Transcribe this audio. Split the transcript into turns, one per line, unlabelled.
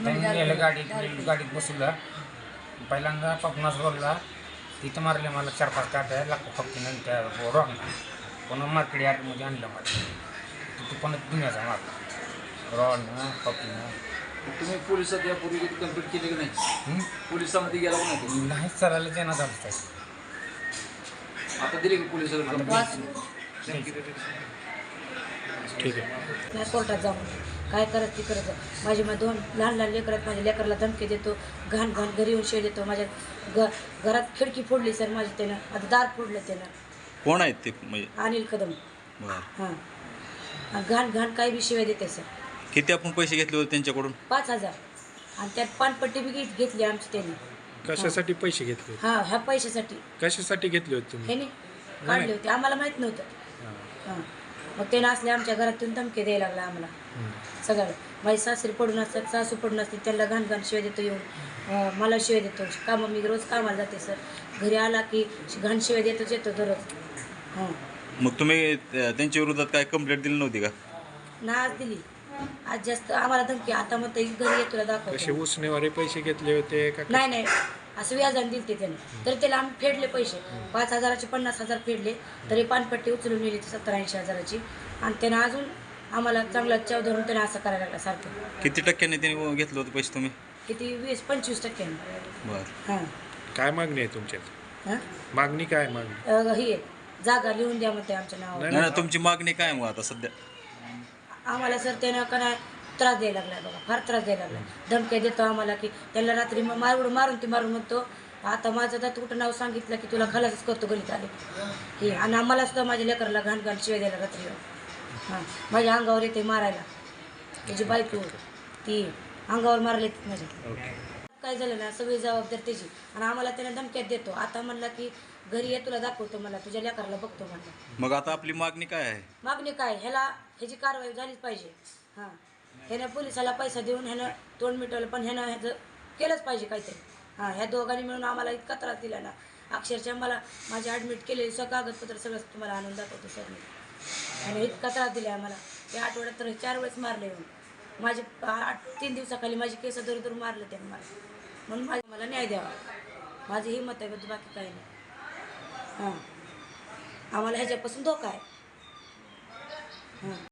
त्यांनी गाडीत बसवलं. पहिल्यांदा पपनास रोडला तिथं मारले मला 4-5 काट्या लागतो फक्त त्या रॉडला. पुन्हा मार्केट यार्डमध्ये आणलं मला तिथे पण दुनियाचा मारला रॉडनं पपीनं.
तुम्ही पोलिसात यापूर्वी कंप्लीट केली की नाही? पोलिसांमध्ये गेला का नाही?
नाहीच चालायला देण्यात आलं पाहिजे.
आता दिली की पोलिसांकडे?
ठीक आहे.
नाही कोर्टात जाऊन काय करत ती करत माझी मग 2 लहान लेकरात माझ्या लेकराला धमकी देतो, घाण घरी येऊन शेळ देतो. माझ्या घरात खिडकी फोडली सर माझी त्यानं, आता दार फोडलं त्यानं.
कोण आहेत ते म्हणजे?
अनिल कदम.
बरं.
हां, घाण काही बी शिवाय देते सर.
किती आपण पैसे घेतले होते त्यांच्याकडून?
5,000 आणि त्यात पानपट्टी बी घेतली आमची त्यांनी.
कशासाठी पैसे घेतले होते?
ह्या पैशासाठी.
कशासाठी घेतले होते तुम्ही?
ह्याने काढले होते, आम्हाला माहीत नव्हतं. हां, मग त्यानं असले आमच्या घरातून धमके द्यायला लागला आम्हाला सगळं. माझी सासरी पडून असतात, सासू पडून असते, त्यांना घाण शिवाय देतो येऊन. मला शिवाय देतो कामं. मी रोज कामाला जाते सर. घरी आला की घाण शिवाय देतोच येतो दररोज. हां.
मग तुम्ही त्यांच्या विरोधात काय कंप्लेंट दिली नव्हती का?
ना आज दिली. आज जास्त आम्हाला धमकी. आता मग ते घरी येतो तुला
कसे
दाखवतो.
उसनेवारे पैसे घेतले होते का?
नाही असं व्याजाने दिले ते त्याने. तर त्याला आम्ही फेडले पैसे. 5,000चे 50,000 फेडले. तरी पानपट्टी उचलून नेली 70-80 हजाराची. आणि त्यानं अजून आम्हाला चांगला चव धरून त्यानं असं करायला लागला सारखं.
किती टक्क्याने त्यांनी घेतलं होतं पैसे तुम्ही?
किती 20-25%.
बरं.
हां.
काय मागणी आहे तुमच्यात?
हां,
मागणी काय मागणी?
ही जागा लिहून द्या म्हणते आमच्या नावावर.
नाही तुमची मागणी काय मग आता सध्या?
आम्हाला सर त्यानं का नाही त्रास द्यायला लागला बघा, फार त्रास द्यायला लागला. धमक्या देतो आम्हाला की त्याला रात्री मारून म्हणतो आता माझं तर कुठं नाव सांगितलं की तुला खलासच करतो गणित आले हे. आणि आम्हाला सुद्धा माझ्या लेकराला घाण शिवाय द्यायला रात्री. हां, माझ्या अंगावर येते मारायला. त्याची बायको ती अंगावर मारले माझ्या. काय झालं ना सगळी जबाबदारी त्याची. आणि आम्हाला त्याने धमक्यात देतो. आता म्हणला की घरी ये तुला दाखवतो, मला तुझ्या लेकराला बघतो म्हणलं.
मग आता आपली मागणी काय आहे?
मागणी काय, ह्याची कारवाई झालीच पाहिजे. हां, ह्यानं पोलिसाला पैसा देऊन ह्यानं तोंड मिटवलं, पण ह्यानं ह्याचं केलंच पाहिजे काहीतरी. हां, ह्या दोघांनी मिळून आम्हाला इतका त्रास दिला ना. अक्षरशः मला माझी ॲडमिट केलेली कागदपत्र सगळं तुम्हाला आणून दाखवतो सर मी. आणि इतका त्रास दिला आम्हाला. या आठवड्यात तर 4 वेळेस मारले येऊन. माझे 3 दिवसाखाली माझी केस दर मारले त्यानं मला. म्हणून मला न्याय द्यावा, माझी ही मत आहे, बद्दल बाकी काही नाही. हां, आम्हाला ह्याच्यापासून धोका आहे. हां.